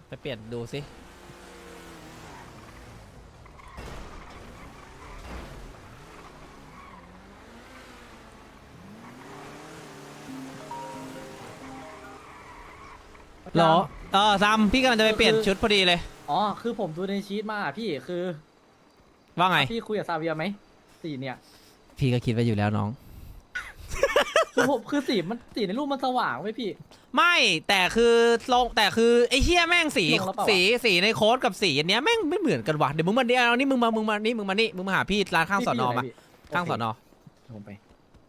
ไปเปลี่ยนดูสิหรอซัมพี่กำลังจะไปเปลี่ยนชุดพอดีเลยอ๋อคือผมดูในชีตมาพี่คือว่าไงพี่คุยกับซาเวียไหมสีเนี่ยพี่ก็คิดไว้อยู่แล้วน้องคือผมคือสีในรูปมันสว่างไว้พี่ไม่แต่คือไอ้เฮียแม่งสีลงแล้วเปล่าวะสีในโค้ดกับสีอันเนี้ยแม่งไม่เหมือนกันว่ะเดี๋ยวมึงมาเดี๋ยวนี่มึงมาหาพี่ร้านข้างสอนอมาข้างสอนอผมไป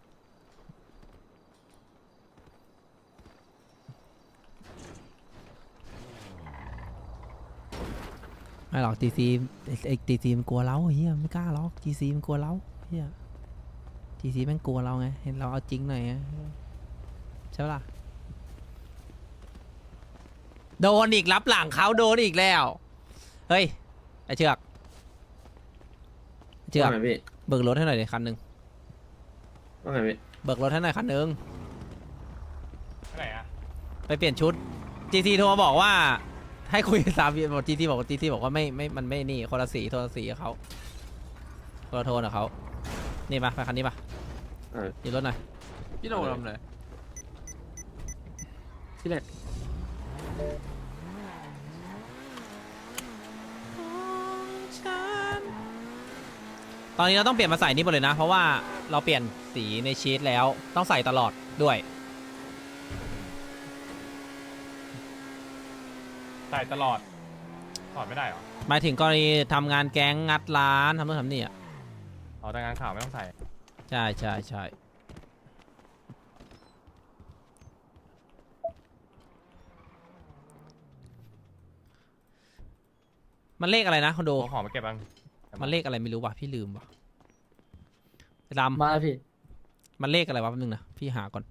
ไม่หรอกจีซีไอ้จีซีมันกลัวเราเฮียไม่กล้าหรอกจีซีมันกลัวเราเฮียจีซีแม่งกลัวเราไงเห็นเราเอาจริงหน่อยไงใช่ปะล่ะโดนอีกรับหลังเขาโดนอีกแล้วเฮ้ยไอเชือกว่าไงพี่เบิกรถให้หน่อยดิคันหนึ่งว่าไงพี่เบิกรถให้หน่อยคันหนึ่งไหนอะไปเปลี่ยนชุดจีซีโทรมาบอกว่าให้คุยกับสามบอกจีซีบอกว่าไม่มันไม่นี่คนละสีโทรสีกับเขาคนละโทรกับเขานี่ปะไปคันนี้ปะยืนรถหน่อยพี่โดนทำเลยที่เล็ดตอนนี้เราต้องเปลี่ยนมาใส่นี่หมดเลยนะเพราะว่าเราเปลี่ยนสีในชีตแล้วต้องใส่ตลอดด้วยใส่ตลอดถอดไม่ได้เหรอหมายถึงกรณีทำงานแก๊งงัดร้านทำนู่นทำนี่อ่ะเอาแต่งานข่าวไม่ต้องใส่ใช่มันเลขอะไรนะคอนโดเอาของมาเก็บบ้างมันเลขอะไรไม่รู้ว่ะพี่ลืมว่ะดำมาพี่มันเลขอะไรวะแป๊บนึงนะพี่หาก่อน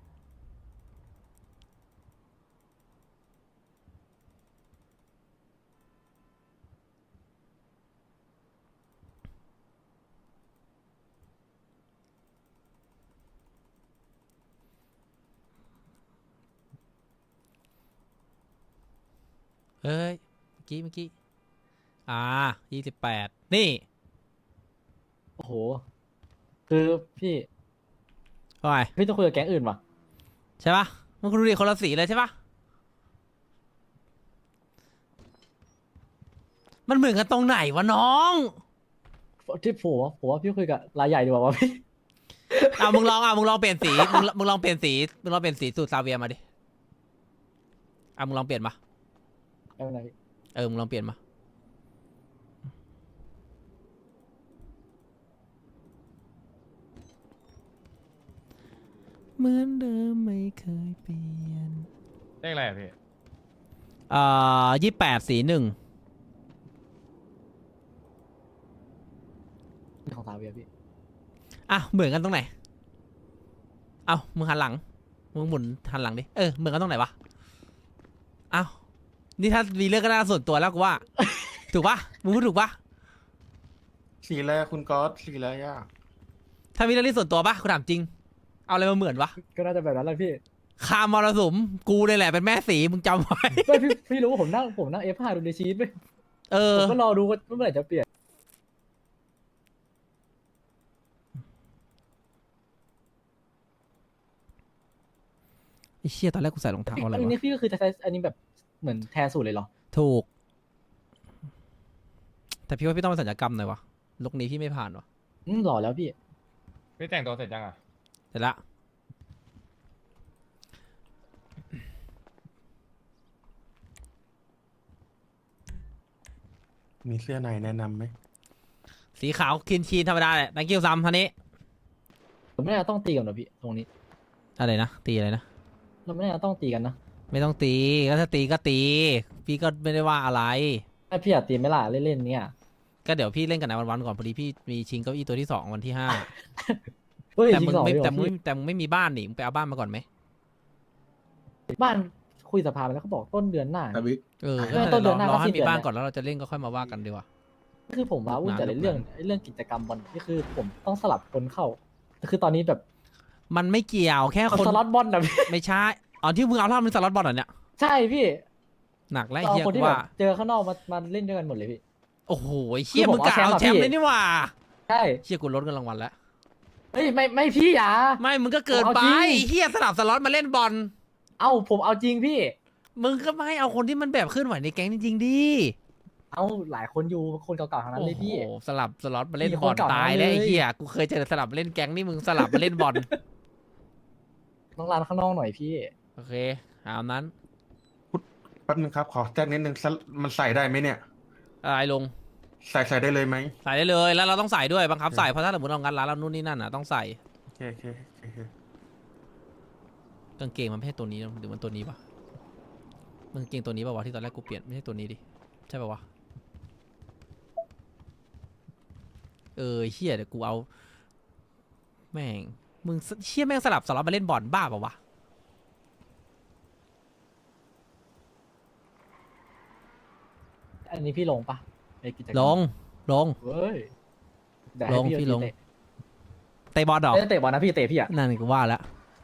เฮ้ยเมื่อกี้28นี่โอ้โหคือพี่ว่าไงพี่ต้องคุยกับแก๊งอื่นว่ะใช่ปะมันคุณดูดิคนละสีเลยใช่ปะมันเหมือนกันตรงไหนวะน้องที่ผมว่าพี่คุยกับรายใหญ่ดีกว่าวะพี่มึงลองเปลี่ยนสีมึงลองเปลี่ยนสีสูตรซาเวียมาดิมึงลองเปลี่ยนมาไม่เป็นไรพี่มึงลองเปลี่ยนมาเหมือนเดิมไม่เคยเปลี่ยนเลขอะไรอะพี่ 28สี1 ของซาเวียพี่เหมือนกันตรงไหนมึงหันหลังมึงหมุนหันหลังดิเหมือนกันตรงไหนวะนี่ถ้ามีเรื่องก็น่าส่วนตัวแล้วกูว่า ถูกปะมึงพูดถูกปะสีอะไรคุณก๊อตสีอะไรอ่ะถ้ามีเรื่องที่ส่วนตัวปะกูถามจริงเอาอะไรมาเหมือนวะก็น่าจะแบบนั้นแหละพี่คามรสุมกูเลยแหละเป็นแม่สีมึงจำไว้ไม่พี่รู้ว่าผมนั่ง F5 ดูในชีตไปผมก็รอดูว่าเมื่อไหร่จะเปลี่ยนไอ้เชี่ยตอนแรกกูใส่รองเท้าอะไรอันวะนี้พี่ก็คือจะใช้อันนี้แบบเหมือนแทนสูตรเลยเหรอถูกแต่พี่ว่าพี่ต้องไปสัญญกรรมหน่อยวะลุคนี้พี่ไม่ผ่านวะหล่อแล้วพี่พี่แต่งตัวเสร็จยังอะเสร็จละมีเสื้อในแนะนำไหมสีขาวคีนธรรมดาแหละ thank you ซ้ำท่านี้ผมไม่น่าต้องตีกันหรอพี่ตรงนี้อะไรนะตีอะไรนะเราไม่น่าต้องตีกันนะไม่ต้องตีก็ถ้าตีก็ตี พี่ก็ไม่ได้ว่าอะไรถ้าพี่อยากตีไม่ล่ะเล่นๆเนี่ยก็เดี๋ยวพี่เล่นกันในวันๆก่อนพอดีพี่มีชิงเก้าอี้ตัวที่2วันที่5 เฮ้ยแต่จริมึงงสองไม่เลยเหรแต่อมึงพี่แต่มึงไม่มีบ้านนี่มึงไปเอาบ้านมาก่อนไหมบ้านคุยสภาไปแล้วเขาบอกต้นเดือนหน้าแต่วิกไม่ต้นเดือนหน้ารอให้ก็สิ้นมีเดือนบ้านแล้วก่อนแล้วเราจะเล่นก็ค่อยมาว่ากันดีกว่าคือผมว่าวุ่นแต่นานเรื่องกิจกรรมบอลนี่คือผมต้องสลับคนเข้าคือตอนนี้แบบมันไม่เกี่ยวแค่เอาคนสล็อตบอลนะพี่ไม่ใช่ที่มึงเอาท่ามันสล็อตบอลเหรอเนี่ยใช่พี่หนักแล้วไอ้เอาเหี้ยคนกูที่แบว่าบเจอข้างนอกมาเล่นด้วยกันหมดเลยพี่โอ้โหไอ้เหี้ยคือผมมึงกะเอาเอาแชแชมมป์ป์อะเลยนี่หว่าใช่เหี้ยกูลดเงินรางวัลแล้วเฮ้ยไม่พี่อย่าไม่มึงก็เกินผมไปเอาจริงไอ้เหี้ยสลับสล็อตมาเล่นบอลเอ้าผมเอาจริงพี่มึงก็ไม่เอาคนที่มันแบบเคลื่อนไหวในแก๊งจริงๆดิเอาหลายคนอยู่คนเก่าๆทั้งนั้นโอ้เลยโหพี่สลับสล็อตมาเล่นมีบคอน ลเก่าตายทั้งนั้นแล้วไอ้เลยเหี้ยกูเคยเจอสลับมาเล่นแก๊งนี่มึงสลับมาเล่นบอลต้องร้านข้างนอกหน่อยพี่โอเคตามนั้นแป๊บนึงครับ ขอแจ้งนิดนึงมันใส่ได้ไหมเนี่ยอะไรลงใส่ได้เลยไหมใส่ได้เลยแล้วเราต้องใส่ด้วยบังคับใส่เพราะถ้าสมมติเรางัดร้านเรานู่นนี่นั่นอ่ะต้องใส่โอเคโอเคโอเคกางเกงมันไม่ใช่ตัวนี้หรือมันตัวนี้ปะมันกางเกงตัวนี้ปะวะที่ตอนแรกกูเปลี่ยนไม่ใช่ตัวนี้ดิใช่ปะวะเฮียเดี๋ยวกูเอาแม่งมึงเชี่ยแม่งสลับสล็อตมาเล่นบอลบ้าปะวะอันนี้พี่ลงปะในกิจกรรมลงลงเฮ้ยเดี๋ยวลให้งพี่ลงเตะเตะบอลดอกไม่ได้เตะบอลนะพี่เตะพี่อะนั่นกูว่าแล้ว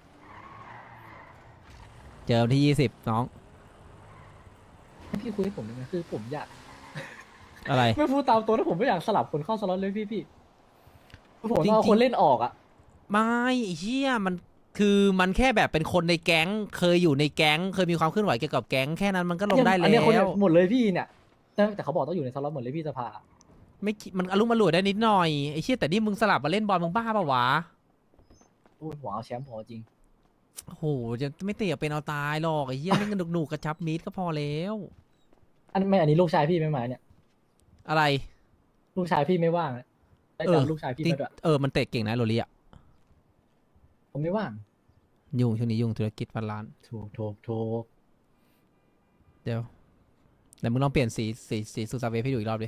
เจอวันที่20น้องพี่คุยให้ผมได้ไหมคือผมอยากอะไรไม่พูดตามตัวนะผมไม่อยากสลับคนเข้าสล็อตเลยพี่คือผมจริงๆเอาคนเล่นออกอะไม่ไอ้เชี่ยมันคือมันแค่แบบเป็นคนในแก๊งเคยอยู่ในแก๊งเคยมีความเคลื่อนไหวเกี่ยวกับแก๊งแค่นั้นมันก็ลงได้อัแล้นเนี้ยคนวหมดเลยพี่เนี่ยแต่เขาบอกต้องอยู่ในสล็อตหมดเลยพี่สภาไม่คิดมันอารมณ์อร่วยได้นิดหน่อยไอ้เชี่ยแต่นี่มึงสลับมาเล่นบอลมึงบ้าปะวะพูดหัวเอาแชมป์ผมเอาจริงโอ้โหจะไม่เตะเป็นเอาตายหรอกไอ้เหี้ยเล่นกันหนุกๆกระชับมิตรก็พอแล้วอันนี้ลูกชายพี่ไม่มาเนี่ยอะไรลูกชายพี่ไม่ว่างอะได้จำลูกชายพี่มาด้วยมันเตะเก่งนะโรลี่อ่ะผมไม่ว่างยุ่งช่วงนี้ยุ่งธุรกิจพันล้านถูกเดี๋ยวมึงลองเปลี่ยนสีซูซาเวฟให้ดูอีกรอบดิ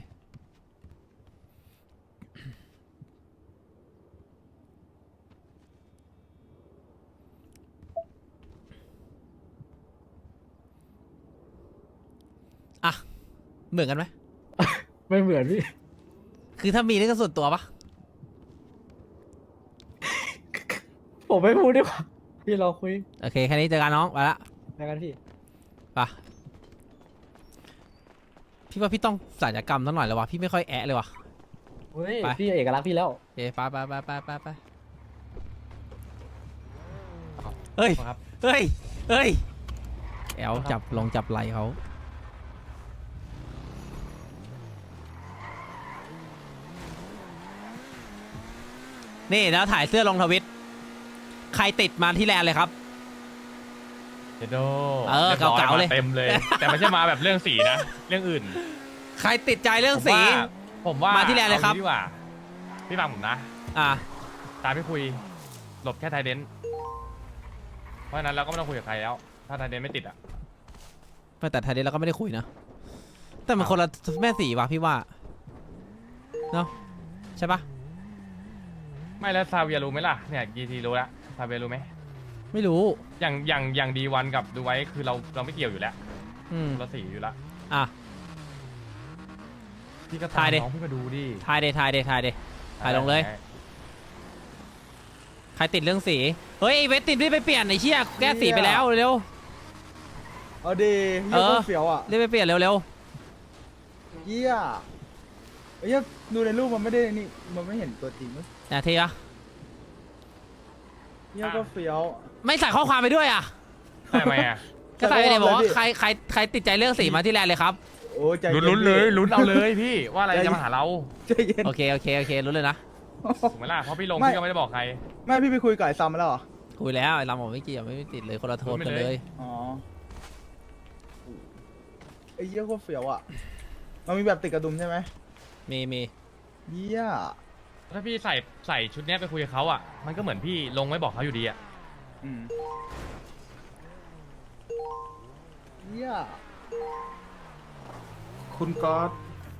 อ่ะเหมือนกันไหมไม่เหมือนพี่คือถ้ามีนี่ก็ส่วนตัวปะผมไม่พูดดีกว่าพี่เราคุยโอเคแค่นี้เจอกันน้องไปละแล้วกันพี่ไปพี่ว่าพี่ต้องศัลยกรรมสักหน่อยแล้ววะพี่ไม่ค่อยแอะเลยวะเฮ้ยไปพี่เอกลักษณ์พี่แล้วโอเคไปเฮ้ยครับเฮ้ยแอลจับไหลเขานี่แล้วถ่ายเสื้อลงทวิตใครติดมาที่แลนด์เลยครับเจโดเก่าๆเลยมาเต็มเลย แต่ไม่ใช่มาแบบเรื่องสีนะ เรื่องอื่นใครติดใจเรื่องสีผมว่ามาที่แลนด์เลยครับอางี้ดีกว่าพี่ฟังผมนะอ่ะตามพี่คุย หลบแค่ไทเดนเพราะฉะนั้นเราก็ไม่ต้องคุยกับใครแล้ว ถ้าไทเดนไม่ติดอ่ะแต่ไทยเดนเราก็ไม่ได้คุยนะ แต่มันคนละแม่สีว่ะพี่ว่าเนาะใช่ปะไม่แล้วซาเวียรู้ไหมล่ะ เนี่ยกีทีรู้แล้วซาเวียรู้ไหมไม่รู้อย่างดีวันกับดูไว้คือเราไม่เกี่ยวอยู่แล้วอืมเราสีอยู่แล้วอ่ะพี่ก็ถ่ายดิน้องพี่มาดูดิถ่ายลงเลย ใครติดเรื่องสี เฮ้ยไอ้เวทติดรีบไปเปลี่ยนไอ้เชี่ยแก้สีไปแล้วเร็วเอาดีเอเยี่ยอโคตรเฟี้ยวอ่ะรีบไปเปลี่ยนเร็วเยี่ยเยี่ยดูในรูปมันไม่ได้นี่มันไม่เห็นตัวจริงเว้ยๆนะทีอะเยี่ยก็เฟี้ยวไม่ใส่ข้อความไปด้วยอ่ะทำไมอ่ะก็ใส่ไปเลยบอกว่าใส่ข้อความเลยดิใครติดใจเรื่องสีมาที่แลนด์เลยครับโอ้ใจลุ้นๆเลยลุ้นเอาเลยพี่ว่าอะไรใจเย็นจะมาหาเราใจเย็นโอเครู้เลยนะถูกไหมล่ะเพราะพี่ลงไม่พี่ก็ไม่ได้บอกใครแม่พี่ไปคุยกับไอ้ซัมมาแล้วเหรอคุยแล้วไอ้ลำบอกไม่เกี่ยวไม่ติดเลยคนละโทนกันเลยอ๋อไอ้เยี่ยโคตรเฟี้ยวอ่ะมันมีแบบติดกระดุมใช่ไหมมีเยี่ยถ้าพี่ใส่ชุดเนี้ยไปคุยกับเขาอ่ะมันก็เหมือนพี่ลงไม่บอกเขาอยู่ดีอ่ะอืมเยี่ยคุณก๊อต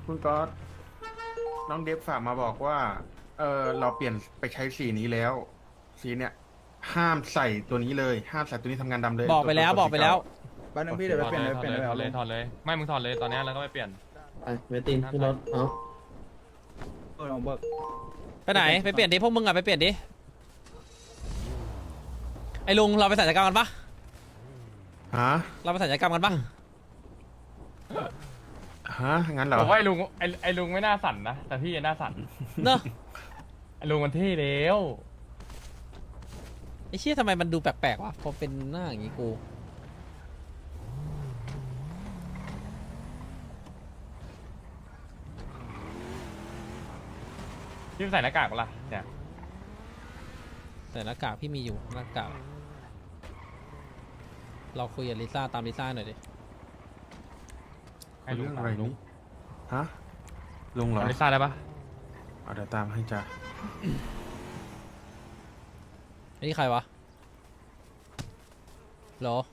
น้องเดฟฝากมาบอกว่า เราเปลี่ยนไปใช้สีนี้แล้ว สีเนี่ย ห้ามใส่ตัวนี้เลย ห้ามใส่ตัวนี้ทำงานดำเลยบอกไปแล้วตัวสีเก่าแป๊บนึงพี่เดี๋ยวไปเปลี่ยนถเดี๋ยวไปเปลี่ยนอดเลเลย ยถอดเลยไม่มึงถอดเลยตอนเนี้ยแล้วก็ไปเปลี่ยนไปเวตินพี่รถเอาเออลองเบิกไปไหนไปเปลี่ยนดิพวกมึงอ่ะไปเปลี่ยนดิไอ้ลุงเราไปศัลยกรรมกันปะฮะเราไปศัลยกรรมกันปะฮะงั้นเหรอผมว่าไอ้ลุงไม่น่าสั่นนะแต่พี่น่าสั่นเนอะไอ้ลุงมันเท่แล้วไอ้เชี่ยทำไมมันดูแปลกๆวะพอเป็นหน้าอย่างงี้กูพี่ใส่หน้ากากปะล่ะเนี่ยแต่หน้ากากพี่มีอยู่หน้ากากเราคุยกับลิซ่าตามลิซ่าหน่อยดิให้ลุงเรื่องตาอะไรมลุงนี่ฮะลุงเหรออลิซ่าได้ปะเอาเดี๋ยวตามให้จ้ะไอ้นี่ใครวะเหรอ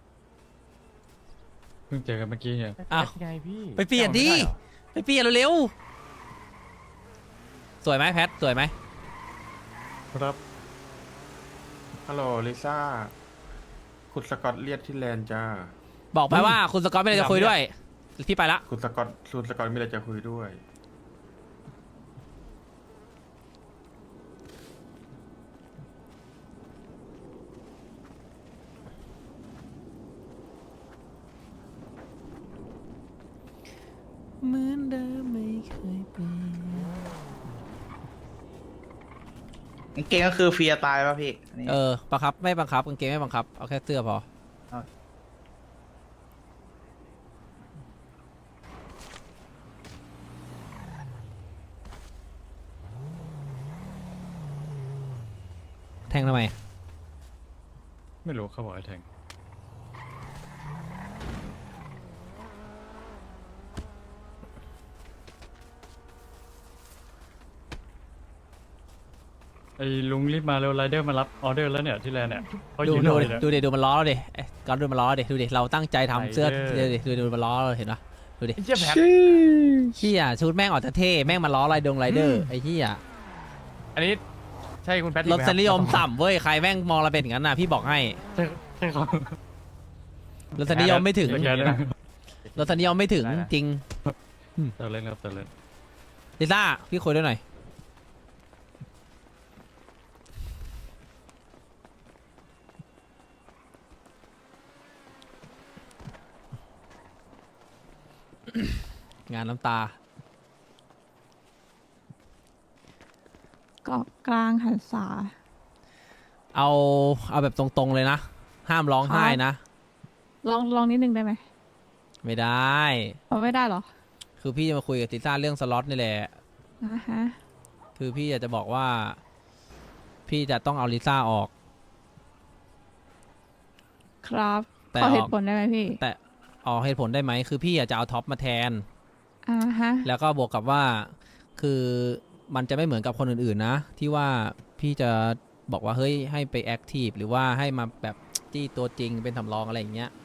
เพิ่งเจอกันเมื่อกี้เนี่ยอ้าวไงพี่ไปเปลี่ยนดิจำไม่ไเหรอไปเปลี่ยนเร็วๆสวยไหมแพทสวยไหมครับฮัลโหลลิซ่าคุณสกอตเรียกที่แลนด์จ้าบอกไปว่าคุณสกอตไม่ได้จะคุยด้วยพี่ไปละคุณสกอตมีอะไรจะคุยด้วยเหมือนเดิมไม่เคยเปลี่ยนกางเกงก็คือฟรีสไตล์ป่ะพี่อันนี้บังคับไม่บังคับกางเกงไม่บังคับเอาแค่เสื้อพอเอาแทงทำไมไม่รู้เขาบอกให้แทงไอ้ลุงรีบมาเร็วไรเดอร์มารับออเดอร์แล้วเนี่ยที่แลนด์เนี่ยเขาดูยืนดูรอดิอยู่เนี่ยดูดิดูมันล้อเราดิไอ้ก๊อตดูมันล้อดิดูดิเราตั้งใจทำเสื้อไรเดอร์ดูมันล้อเราเห็นปะดูดิไอ้เจี๊ยแพทเฮียชุดแม่งออกจะเท่แม่งมาล้อไรเดอร์ไอ้เฮียอันนี้ใช่คุณแพทรสนิยมต่ำเว้ยใครแม่งมองเราเป็นอย่างนั้นนะพี่บอกให้ใช่ครับรสนิยมไม่ถึงโอเคนะรสนิยมไม่ถึงจริงเติร์เล่นครับเติร์เล่นลิซ่าพี่คุยด้วยหน่อยงานน้ำตาเกาะกลางหันษาเอาแบบตรงๆเลยนะ ห้ามร้องไห้นะลองนิดนึงได้ไหมไม่ได้เอาไม่ได้เหรอคือพี่จะมาคุยกับติซ่าเรื่องสล็อตนี่แหละอ่าฮะคือพี่อยากจะบอกว่า พี่จะต้องเอาลิซ่าออกครับแต่ขอเหอตุอกผลได้ไหมพี่แต่ออกเหตุผลได้ไหม คือพี่อยากจะเอาท็อปมาแทนอ่าฮะแล้วก็บวกกับว่า คือมันจะไม่เหมือนกับคนอื่นๆนะ ที่ว่าพี่จะบอกว่าเฮ้ยให้ไปแอคทีฟหรือว่าให้มาแบบจี้ตัวจริงเป็นสำรองอะไรอย่างเงี้ย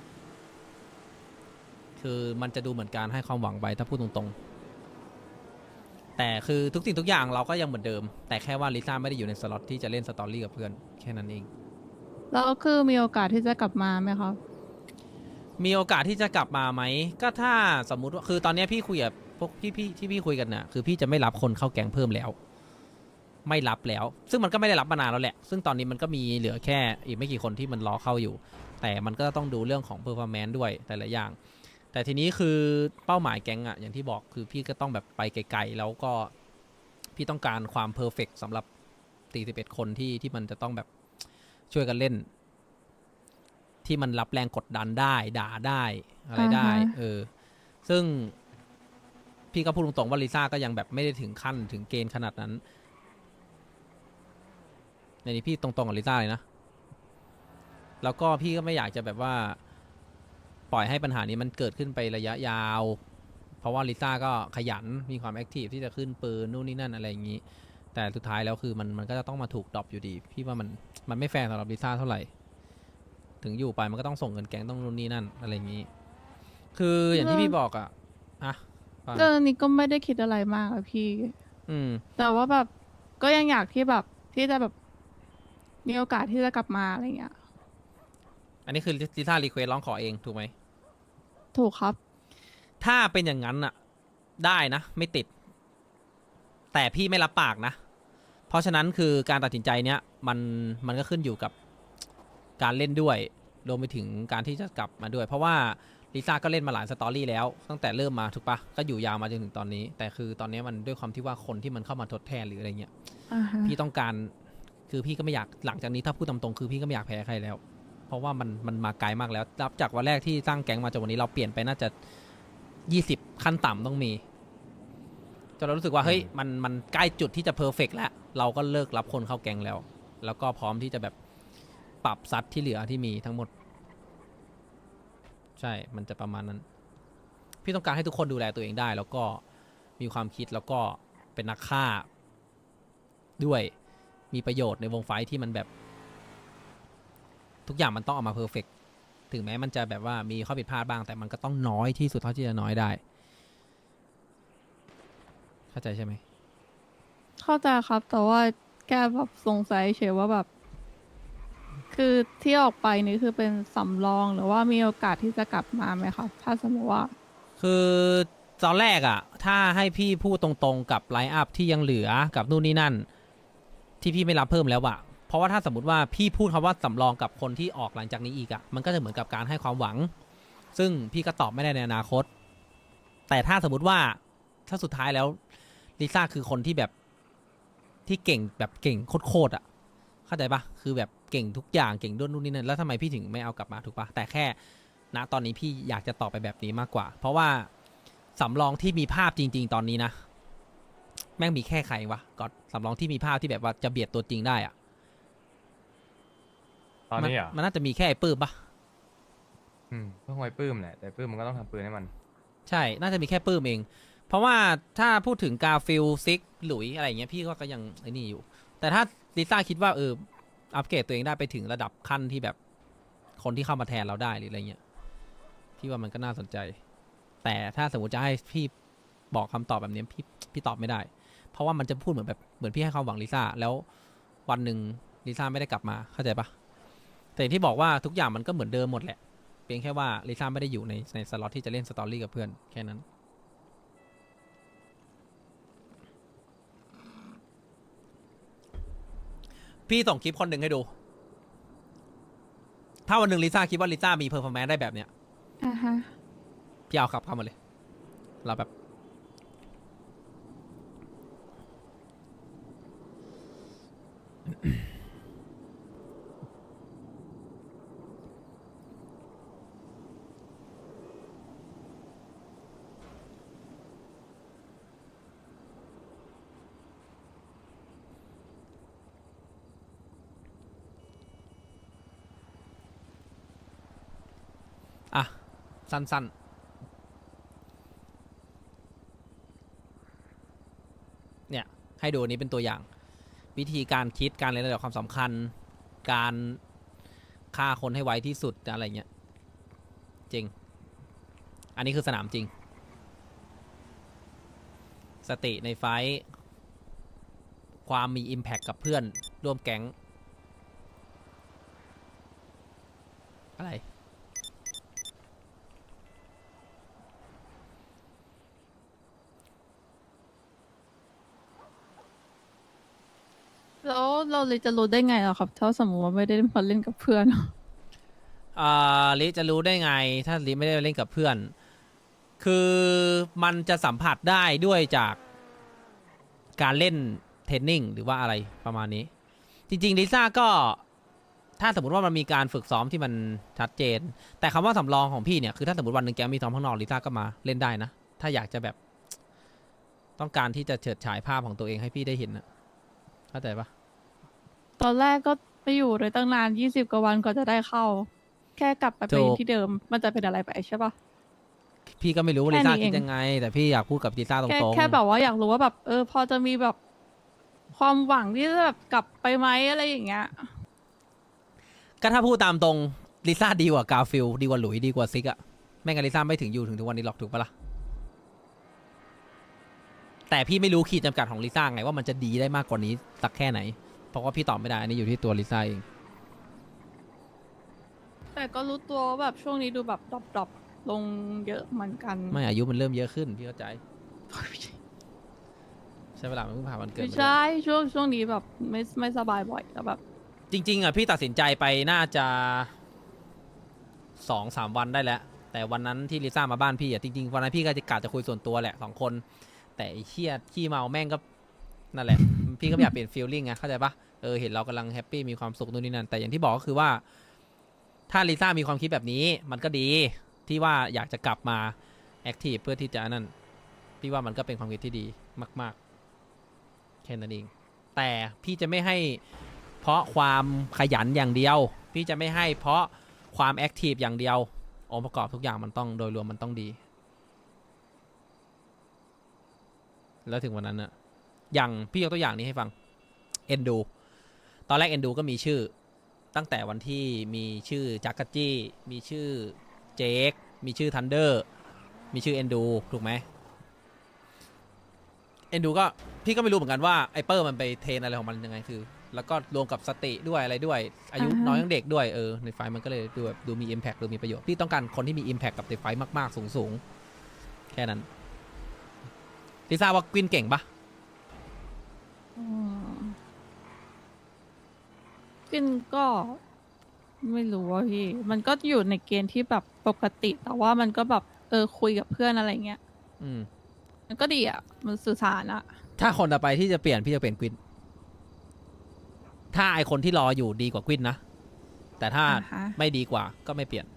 คือมันจะดูเหมือนการให้ความหวังไปถ้าพูดตรงๆ แต่คือทุกสิ่งทุกอย่างเราก็ยังเหมือนเดิม แต่แค่ว่าลิซ่าไม่ได้อยู่ในสล็อตที่จะเล่นสตอรี่กับเพื่อนแค่นั้นเองแล้วคือมีโอกาสที่จะกลับมาไหมครับมีโอกาสที่จะกลับมาไหมก็ถ้าสมมุติว่าคือตอนนี้พี่คุยกับพวกพี่ที่พี่คุยกันน่ะคือพี่จะไม่รับคนเข้าแก๊งเพิ่มแล้ว ไม่รับแล้ว ซึ่งมันก็ไม่ได้รับมานานแล้วแหละซึ่งตอนนี้มันก็มีเหลือแค่อีกไม่กี่คนที่มันรอเข้าอยู่ แต่มันก็ต้องดูเรื่องของเพอร์ฟอร์แมนซ์ด้วยแต่ละอย่าง แต่ทีนี้คือเป้าหมายแก๊งอะอย่างที่บอกคือพี่ก็ต้องแบบไปไกลๆแล้วก็พี่ต้องการความเพอร์เฟกต์สำหรับ41คนที่มันจะต้องแบบช่วยกันเล่น ที่มันรับแรงกดดันได้ด่าได้อะไรได้อ่าฮะซึ่งพี่ก็พูดตรงๆว่าลิซ่าก็ยังแบบไม่ได้ถึงขั้นถึงเกณฑ์ขนาดนั้นในนี้พี่ตรงๆกับลิซ่าเลยนะแล้วก็พี่ก็ไม่อยากจะแบบว่าปล่อยให้ปัญหานี้มันเกิดขึ้นไประยะยาว เพราะว่าลิซ่าก็ขยันมีความแอคทีฟที่จะขึ้นปืนนู่นนี่นั่นอะไรอย่างนี้ แต่สุดท้ายแล้วคือมันก็จะต้องมาถูกดรอปอยู่ดี พี่ว่ามันไม่แฟร์สำหรับลิซ่าเท่าไหร่ ถึงอยู่ไปมันก็ต้องส่งเงินแก๊งต้องนู่นนี่นั่นอะไรอย่างนี้ คืออย่างที่พี่บอกอะฟังเรื่องนี้ก็ไม่ได้คิดอะไรมากอะพี่อืมแต่ว่าแบบก็ยังอยากที่แบบที่จะแบบมีโอกาสที่จะกลับมาอะไรเงี้ยอันนี้คือลิซ่ารีเควสร้องขอเองถูกไหมถูกครับถ้าเป็นอย่างนั้นอะได้นะ ไม่ติด แต่พี่ไม่รับปากนะ เพราะฉะนั้นคือการตัดสินใจเนี้ยมันก็ขึ้นอยู่กับการเล่นด้วยรวมไปถึงการที่จะกลับมาด้วย เพราะว่าลิซ่าก็เล่นมาหลายสตอรี่แล้วตั้งแต่เริ่มมาถูกปะก็อยู่ยาวมาจนถึงตอนนี้ แต่คือตอนนี้มันด้วยความที่ว่าคนที่มันเข้ามาทดแทนหรืออะไรเงี้ยอ่าฮะพี่ต้องการคือพี่ก็ไม่อยากหลังจากนี้ถ้าพูดตามตรงคือพี่ก็ไม่อยากแพ้ใครแล้ว เพราะว่ามันมาไกลมากแล้วนับจากวันแรกที่สร้างแก๊งมาจนวันนี้เราเปลี่ยนไปน่าจะ20ขั้นต่ำต้องมีจนเรารู้สึกว่าเฮ้ยมันใกล้จุดที่จะเพอร์เฟกต์แล้วเราก็เลิกรับคนเข้าแก๊งแล้ว แล้วก็พร้อมที่จะแบบปรับซัดที่เหลือที่มีทั้งหมด ใช่มันจะประมาณนั้น พี่ต้องการให้ทุกคนดูแลตัวเองได้ แล้วก็มีความคิดแล้วก็เป็นนักฆ่าด้วยมีประโยชน์ในวงไฟท์ที่มันแบบ ทุกอย่างมันต้องออกมาเพอร์เฟกต์ถึงแม้มันจะแบบว่ามีข้อผิดพลาดบ้าง แต่มันก็ต้องน้อยที่สุดเท่าที่จะน้อยได้ เข้าใจใช่ไหมเข้าใจครับ แต่ว่าแกแบบสงสัยเฉยว่าแบบ คือที่ออกไปนี่คือเป็นสำรองหรือว่ามีโอกาสที่จะกลับมาไหมครับ ถ้าสมมติว่าคือตอนแรกอะถ้าให้พี่พูดตรงๆกับไลน์อัพที่ยังเหลือกับนู่นนี่นั่น ที่พี่ไม่รับเพิ่มแล้วอะเพราะว่าถ้าสมมติว่าพี่พูดคำว่าสำรองกับคนที่ออกหลังจากนี้อีกอะมันก็จะเหมือนกับการให้ความหวัง ซึ่งพี่ก็ตอบไม่ได้ในอนาคต แต่ถ้าสมมติว่าถ้าสุดท้ายแล้วลิซ่าคือคนที่แบบที่เก่งแบบเก่งโคตรๆอะเข้าใจปะคือแบบเก่งทุกอย่างเก่งด้วยนู่นนี่นั่นแล้วทำไมพี่ถึงไม่เอากลับมาถูกปะแต่แค่ณตอนนี้พี่อยากจะตอบไปแบบนี้มากกว่า เพราะว่าสำรองที่มีภาพจริง ๆ ตอนนี้นะแม่งมีแค่ใครวะก็สำรองที่มีภาพที่แบบว่าจะเบียดตัวจริงได้อะตอนนี้อ่ะมันน่าจะมีแค่ไอ้ปื้มปะเพิ่งไว้ปื้มแหละแต่ปื้มมันก็ต้องทำปืนให้มันใช่น่าจะมีแค่ปื้มเอง เพราะว่าถ้าพูดถึงกาฟิลซิกหลุยอะไรอย่างเงี้ยพี่ก็ยังไอ้นี่อยู่ แต่ถ้าลิซ่าคิดว่าอัปเกรดตัวเองได้ไปถึงระดับขั้นที่แบบคนที่เข้ามาแทนเราได้หรืออะไรเงี้ยพี่ว่ามันก็น่าสนใจ แต่ถ้าสมมติจะให้พี่บอกคำตอบแบบนี้พี่ตอบไม่ได้ เพราะว่ามันจะพูดเหมือนพี่ให้ความหวังลิซ่าแล้ววันหนึ่งลิซ่าไม่ได้กลับมาเข้าใจปะแต่อย่างที่บอกว่าทุกอย่างมันก็เหมือนเดิมหมดแหละเพียงแค่ว่าลิซ่าไม่ได้อยู่ในสล็อตที่จะเล่นสตอรี่กับเพื่อนแค่นั้นพี่ส่งคลิปคนหนึ่งให้ดู ถ้าวันหนึ่งลิซ่าคิดว่าลิซ่ามีเพอร์ฟอร์แมนซ์ได้แบบเนี้ยอ่าฮะพี่เอาขับเข้ามาเลย เราแบบ อ่ะ สั้นๆ เนี่ย ให้ดูอันนี้เป็นตัวอย่าง วิธีการคิดการเรียนระดับความสำคัญ การฆ่าคนให้ไวที่สุดอะไรเงี้ย จริง อันนี้คือสนามจริง สติในไฟท์ความมี Impact กับเพื่อนร่วมแก๊ง อะไรแล้วเราเลยจะรู้ได้ไงอะครับ ถ้าสมมติว่าไม่ได้มาเล่นกับเพื่อนลิจะรู้ได้ไง ถ้าลิไม่ได้เล่นกับเพื่อน คือมันจะสัมผัสได้ด้วยจากการเล่นเทรนนิ่งหรือว่าอะไรประมาณนี้ จริงๆลิซ่าก็ถ้าสมมติว่ามันมีการฝึกซ้อมที่มันชัดเจน แต่คำว่าสำรองของพี่เนี่ยคือถ้าสมมติวันหนึ่งแกมีซ้อมข้างนอกลิซ่าก็มาเล่นได้นะ ถ้าอยากจะแบบต้องการที่จะเฉิดฉายภาพของตัวเองให้พี่ได้เห็นนะเข้าใจปะตอนแรกก็ไปอยู่เลยตั้งนาน20 กว่าวันกว่าจะได้เข้า แค่กลับไปเป็นที่เดิม มันจะเป็นอะไรไปใช่ปะพี่ก็ไม่รู้ว่าแค่ลินี้ซ่าเองคิดยังไง แต่พี่อยากพูดกับลิซ่าตรงๆแค่แบบว่าอยากรู้ว่าแบบพอจะมีแบบความหวังที่จะแบบกลับไปไหมอะไรอย่างเงี้ยก็ถ้าพูดตามตรงลิซ่าดีกว่ากาฟิลดีกว่าหลุยดีกว่าซิกอะไม่งั้นลิซ่าไม่ถึงอยู่ถึงทุกวันนี้หรอกถูกปะล่ะแต่พี่ไม่รู้ขีดจำกัดของลิซ่าไงว่ามันจะดีได้มากกว่านี้สักแค่ไหนเพราะว่าพี่ตอบไม่ได้อันนี้อยู่ที่ตัวลิซ่าเองแต่ก็รู้ตัวว่าแบบช่วงนี้ดูแบบดรอปลงเยอะเหมือนกันไม่อายุมันเริ่มเยอะขึ้นพี่เข้าใจใช่เวลามันเพิ่งผ่านวันเกิดไม่มาใช่ช่วงนี้แบบไม่สบายบ่อยแล้วแบบจริงๆอะพี่ตัดสินใจไปน่าจะ2-3 วันได้แล้ว แต่แต่วันนั้นที่ลิซ่ามาบ้านพี่อ่ะจริงๆวันนั้นพี่ก็จะกะจะคุยส่วนตัวแหละ2 คน แต่ไอ้เชี่ยขี้เมาแม่งก็นั่นแหละ พี่ก็ไม่อยากเปลี่ยนฟีลลิ่งไงเข้าใจปะเห็นเรากำลังแฮปปี้มีความสุขนู่นนี่นั่นแต่อย่างที่บอกก็คือว่าถ้าลิซ่ามีความคิดแบบนี้มันก็ดีที่ว่าอยากจะกลับมาแอคทีฟเพื่อที่จะนั่นพี่ว่ามันก็เป็นความคิดที่ดีมากๆแค่นั้นเองแต่พี่จะไม่ให้เพราะความขยันอย่างเดียว พี่จะไม่ให้เพราะความแอคทีฟอย่างเดียวองค์ประกอบทุกอย่างมันต้องโดยรวมมันต้องดี แล้วถึงวันนั้นอะอย่างพี่ยกตัวอย่างนี้ให้ฟังเอนดูตอนแรกเอนดูก็มีชื่อตั้งแต่วันที่มีชื่อจักรจี้มีชื่อเจคมีชื่อทันเดอร์มีชื่อเอนดูถูกไหมเอนดูก็พี่ก็ไม่รู้เหมือนกันว่าไอเปอร์มันไปเทรนอะไรของมันยังไงคือแล้วก็รวมกับสติด้วยอะไรด้วยอายุน้อยยังเด็กด้วยในไฟมันก็เลยดูแบบดูมี impact ดูมีประโยชน์พี่ต้องการคนที่มี impact กับในไฟมากๆสูงๆแค่นั้นลิซ่าว่ากวินเก่งปะกินก็ไม่รู้ว่าพี่ มันก็อยู่ในเกณฑ์ที่แบบปกติ แต่ว่ามันก็แบบคุยกับเพื่อนอะไรเงี้ย มันก็ดีอ่ะ มันสื่อสารอ่ะถ้าคนต่อไปที่จะเปลี่ยนพี่จะเปลี่ยนกวินถ้าไอคนที่รออยู่ดีกว่ากวินนะแต่ถ้าอ่าฮะไม่ดีกว่าก็ไม่เปลี่ยน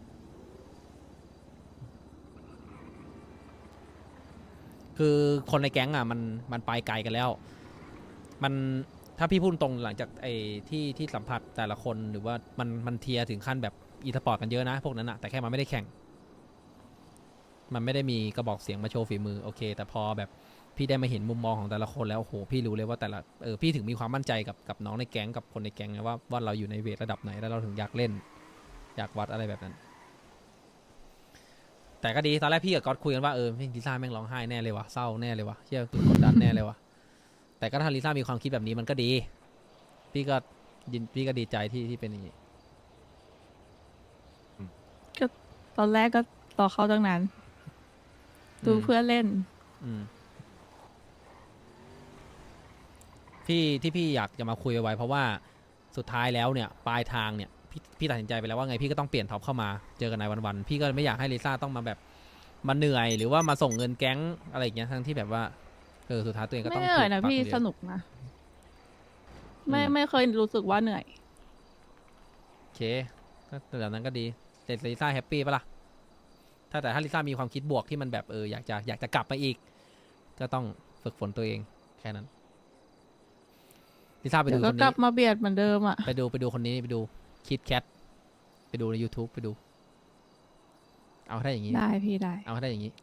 คือคนในแก๊งอ่ะมันไปไกลกันแล้วมันถ้าพี่พูดตรงหลังจากไอ้ที่สัมผัสแต่ละคนหรือว่ามันเทียร์ถึงขั้นแบบอีสปอร์ตกันเยอะนะพวกนั้นอะแต่แค่มันไม่ได้แข่งมันไม่ได้มีกระบอกเสียงมาโชว์ฝีมือโอเคแต่พอแบบพี่ได้มาเห็นมุมมองของแต่ละคนแล้วโอ้โหพี่รู้เลยว่าแต่ละพี่ถึงมีความมั่นใจกับน้องในแก๊งกับคนในแก๊งนะว่าเราอยู่ในเวทระดับไหนแล้วเราถึงอยากเล่นอยากวัดอะไรแบบนั้นแต่ก็ดีตอนแรกพี่กับก๊อตคุยกันว่าลิซ่าแม่งร้องไห้แน่เลยวะเศร้าแน่เลยวะเชี่ยกดดันแน่เลยวะแต่ก็ถ้าลิซ่ามีความคิดแบบนี้มันก็ดีพี่ก็ดีใจที่เป็นอย่างนี้ก็ตอนแรกก็รอเข้าตั้งนานดูเพื่อนเล่นพี่อยากจะมาคุยไว้เพราะว่าสุดท้ายแล้วเนี่ยปลายทางเนี่ยพี่ตัดสินใจไปแล้วว่าไงพี่ก็ต้องเปลี่ยนท็อปเข้ามาเจอกันในวันๆพี่ก็ไม่อยากให้ลิซ่าต้องมาแบบมาเหนื่อยหรือว่ามาส่งเงินแก๊งอะไรอย่างเงี้ยทั้งที่แบบว่าสุดท้ายตัวเองก็ไม่ต้องเหนื่อยนะถูกปักพี่อยู่ดีสนุกนะ ไม่เคยรู้สึกว่าเหนื่อยโอเคก็แบบนั้นก็ดีแต่ลิซ่าแฮปปี้ปะล่ะแต่ถ้าลิซ่ามีความคิดบวกที่มันแบบอยากจะกลับมาอีกก็ต้องฝึกฝนตัวเองแค่นั้นลิซ่าไปเดี๋ดูยวคก็นกลันี้บมาเบียดเหมือนเดิมอ่ะไปดูคนนี้ไปดูคิดแคทไปดูใน YouTube ไปดูเอาให้ได้อย่างนี้ได้พี่ได้เอาให้ได้อย่างนี้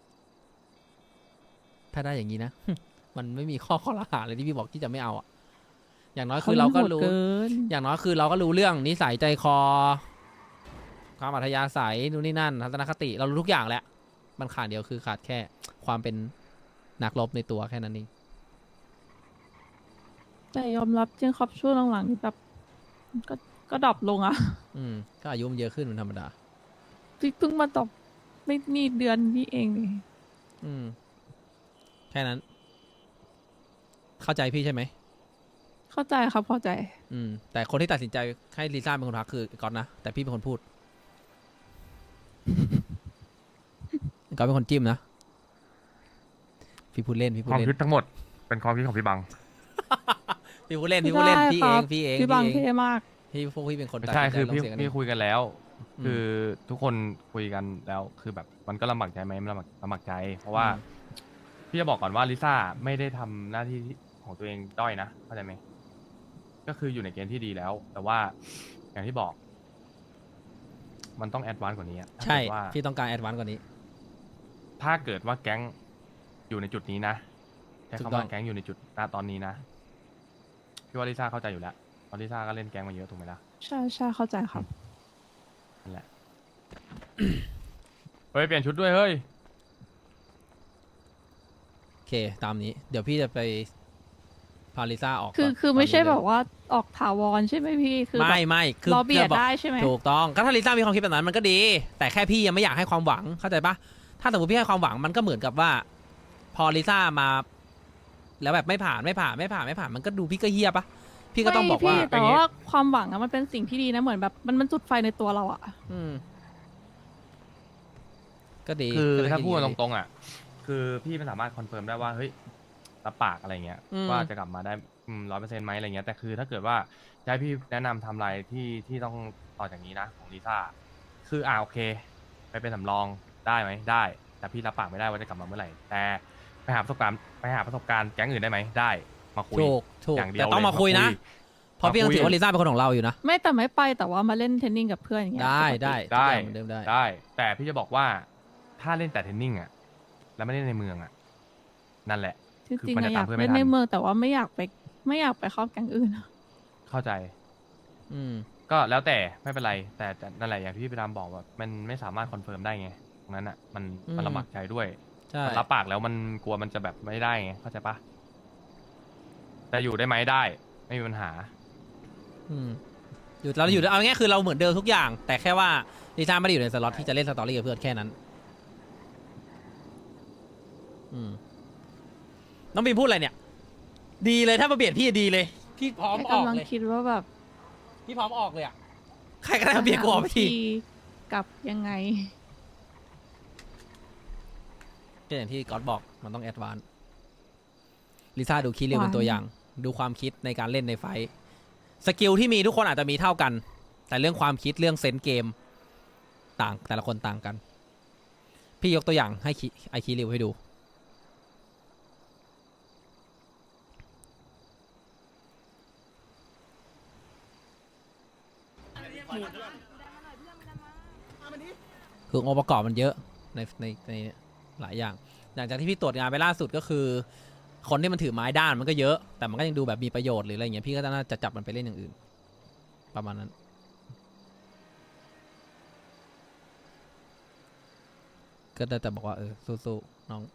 ถ้าได้อย่างนี้นะ มันไม่มีข้อละหาเลยที่พี่บอกที่จะไม่เอาอ่ะอย่างน้อยคือเราก็รู้โหดเกินอย่างน้อยคือเราก็รู้เรื่องนิสัยใจคอความอัธยาศัยนู่นนี่นั่นทัศนคติเรารู้ทุกอย่างแหละมันขาดเดียวคือขาดแค่ความเป็นนักรบในตัวแค่นั้นเองแต่ยอมรับจริงครับช่วงหลังๆนี่แบบก็ดรอปลงอ่ะก็อายุมันเยอะขึ้นเป็นธรรมดาเพิ่งมาดรอปไม่นี่เดือนนี้เองนี่แค่นั้น เข้าใจพี่ใช่ไหมเข้าใจครับเข้าใจแต่คนที่ตัดสินใจให้ลิซ่าเป็นคนพักคือก๊อตนะแต่พี่เป็นคนพูด ก๊อตเป็นคนจิ้มนะพี่พูดเล่นความคิดทั้งหมดเป็นความคิดของพี่บังพี่พูดเล่นไม่พี่พูดเล่นได้พี่คเอรังบพี่เองพี่บางเท่มากพี่เป็นคนตัดใช่สินใจคือลงพี่เสียงกันเอพี่งคุยกันแล้ว คือทุกคนคุยกันแล้วคือแบบมันก็ลำบากใจไหมมันลำบากใจ เพราะว่าพี่จะบอกก่อนว่าลิซ่าไม่ได้ทำหน้าที่ของตัวเองด้อยนะเข้าใจไหมก็คืออยู่ในเกณฑ์ที่ดีแล้ว แต่ว่าอย่างที่บอก มันต้องแอดวานซ์กว่านี้อะถ้าใช่เกิดว่าพี่ต้องการแอดวานซ์กว่านี้ถ้าเกิดว่าแก๊งอยู่ในจุดนี้นะใช้ถูกคำต้ว่าองแก๊งอยู่ในจุดณตอนนี้นะพี่ว่าลิซ่าเข้าใจอยู่แล้วเพราะลิซ่าก็เล่นแก๊งมาเยอะถูกไหมล่ะใช่เข้าใจครับนั่นแหละ เฮ้ยเปลี่ยนชุดด้วยเฮ้ยโอเคตามนี้ เดี๋ยวพี่จะไปพาลิซ่าออกคือก่นคือไม่ใช่ตนนี้แบเลยบว่าออกถาวรใช่ไหมพี่คือแบบไม่คือรอเบียดจะบอกได้ใช่ไหมถูกต้องก็ถ้าลิซ่ามีความคิดแบบนั้นมันก็ดี แต่แค่พี่ยังไม่อยากให้ความหวังเข้าใจปะถ้าสมมติพี่ให้ความหวังมันก็เหมือนกับว่า พอลิซ่ามา แล้วแบบไม่ผ่านมันก็ดูพี่ก็เฮียปะพี่ก็ต้องบอกว่าไม่พี่แต่ว่าความหวังอะมันเป็นสิ่งที่ดีนะเหมือนแบบมันจุดไฟในตัวเราอะอืมก็ดีคือก็ได้ถ้าพูดดีตรงๆอ่ะ คือพี่ไม่สามารถคอนเฟิร์มได้ว่าเฮ้ยรับปากอะไรเงี้ยอืมว่าจะกลับมาได้100%ไหมอะไรเงี้ยแต่คือถ้าเกิดว่าจะให้พี่แนะนำทำลายที่ต้องต่อจากนี้นะของลิซ่าคือโอเค ไปเป็นสำรองได้ไหมได้ แต่พี่รับปากไม่ได้ว่าจะกลับมาเมื่อไหร่แต่ไปหาประสบการณ์แก๊งอื่นได้ไหมได้มาคุยถูกอย่างเดียวแต่ต้องเลยมาคุยนะ เพราะพี่ยังถือว่าลิซ่าเป็นคนของเราอยู่นะไม่แต่ไม่ไปแต่ว่ามาเล่นเทนนิงกับเพื่อนอย่างเงี้ยได้ปกติได้ได้ทุกอย่างเหมือนเดิมได้ได้ แต่พี่จะบอกว่าถ้าเล่นแต่เทนนิ่งอ่ะแล้วไม่เล่นในเมืองอ่ะนั่นแหละจริงคือๆมันจะอะอยากตามเพื่อนไม่เล่นทันในเมืองแต่ว่าไม่อยากไปเข้าแก๊งอื่นอะเข้าใจอืมก็แล้วแต่ไม่เป็นไร แต่นั่นแหละอย่างที่พี่ไปดามบอกว่ามันไม่สามารถคอนเฟิร์มได้ไงตรงนั้นอ่ะมันลำบากใจด้วยใช่มันรับปากแล้วมันกลัวมันจะแบบไม่ได้ไงเข้าใจปะแต่อยู่ได้ไหมได้ ไม่มีปัญหาอืมเราอยู่เอาง่ายๆคือเราเหมือนเดิมทุกอย่าง แต่แค่ว่าลิซ่าไม่ได้อยู่ในสล็อตที่จะเล่นสตอรี่กับเพื่อนแค่นั้น อืมน้องบีมพูดอะไรเนี่ย ดีเลยถ้ามาเบียดพี่ดีเลย พี่พร้อมออกกำลังเลยคิดว่าแบบพี่พร้อมออกเลยอ่ะใครก็ได้มาเบียดกูออกไปทีกลับยังไงก็อย่างที่ก๊อตบอกมันต้องแอดวานซ์ลิซ่าดูคิดเร็วเป็นตัวอย่าง ดูความคิดในการเล่นในไฟท์สกิลที่มีทุกคนอาจจะมีเท่ากัน แต่เรื่องความคิดเรื่องเซนส์เกมต่างแต่ละคนต่างกัน พี่ยกตัวอย่างให้ไอคิริวให้ดู คือองค์ประกอบมันเยอะในหลายอย่าง หลังจากที่พี่ตรวจงานไปล่าสุดก็คือ คนที่มันถือไม้ด้านมันก็เยอะ แต่มันก็ยังดูแบบมีประโยชน์หรืออะไรอย่างเงี้ยพี่ก็น่าจะจับมันไปเล่นอย่างอื่น ประมาณนั้น ก็ได้แต่บอกว่าสู้ๆน้อง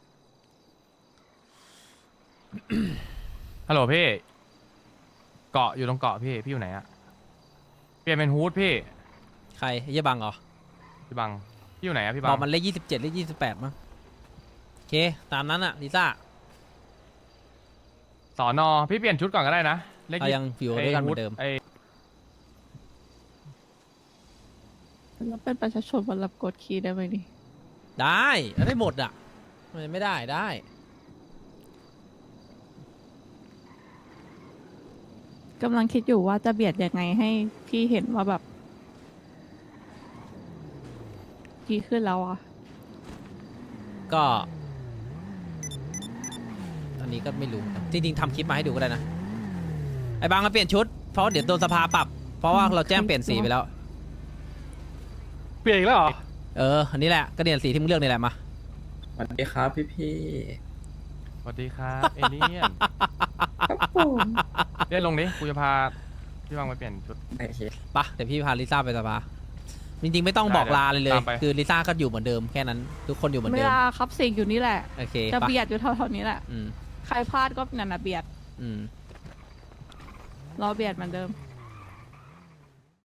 ฮัลโหลพี่ เกาะอยู่ตรงเกาะพี่อยู่ไหนอะเปลี่ยนเป็นฮูดพี่ใครเยี่ยบังเหรอพี่บังพี่อยู่ไหนอะพี่บับงอกมันเลข27เลข28มั้งโอเค ตามนั้นอะลิซ่าสอนอพี่เปลี่ยนชุดก่อนก็ได้นะเลขเรายังอยู่ด้วยกันเหมือนเดิมไอ้แล้วเป็นประชาชนวันรับกดคีย์ได้ไหมนี่ได้ได้หมดอะไม่ได้ได้กำลังคิดอยู่ว่าจะเบียดยังไงให้พี่เห็นว่าแบบดีขึ้นแล้วอ่ะก็ อันนี้ก็ไม่รู้ จริงๆทำคลิปมาให้ดูก็ได้นะ ไอ้บางมาเปลี่ยนชุด เพราะเดี๋ยวโดนสภาปรับ เพราะว่าเราแจ้งเปลี่ยนสีไปแล้วเปลี่ยนอีกแล้วเหรออันนี้แหละก็เปลี่ยนสีที่มึงเลือกนี่แหละมาสวัสดีครับพี่สวัสดีครับเอเลี่ยนครับผมเลี่ยนลงดิกูจะพาพี่บังไปเปลี่ยนชุดโอเคปะเดี๋ยวพี่พาลิซ่าไปสภา จริงๆไม่ต้องบอกลาเลยเลยตามไปคือลิซ่าก็อยู่เหมือนเดิมแค่นั้น ทุกคนอยู่เหมือนไม่เดิมลาครับสิ่งอยู่นี่แหละโอเคจะปะเบียดอยู่เท่าๆนี้แหละอืมใครพลาดก็นั่นน่ะเบียดอืมรอเบียดเหมือนเดิม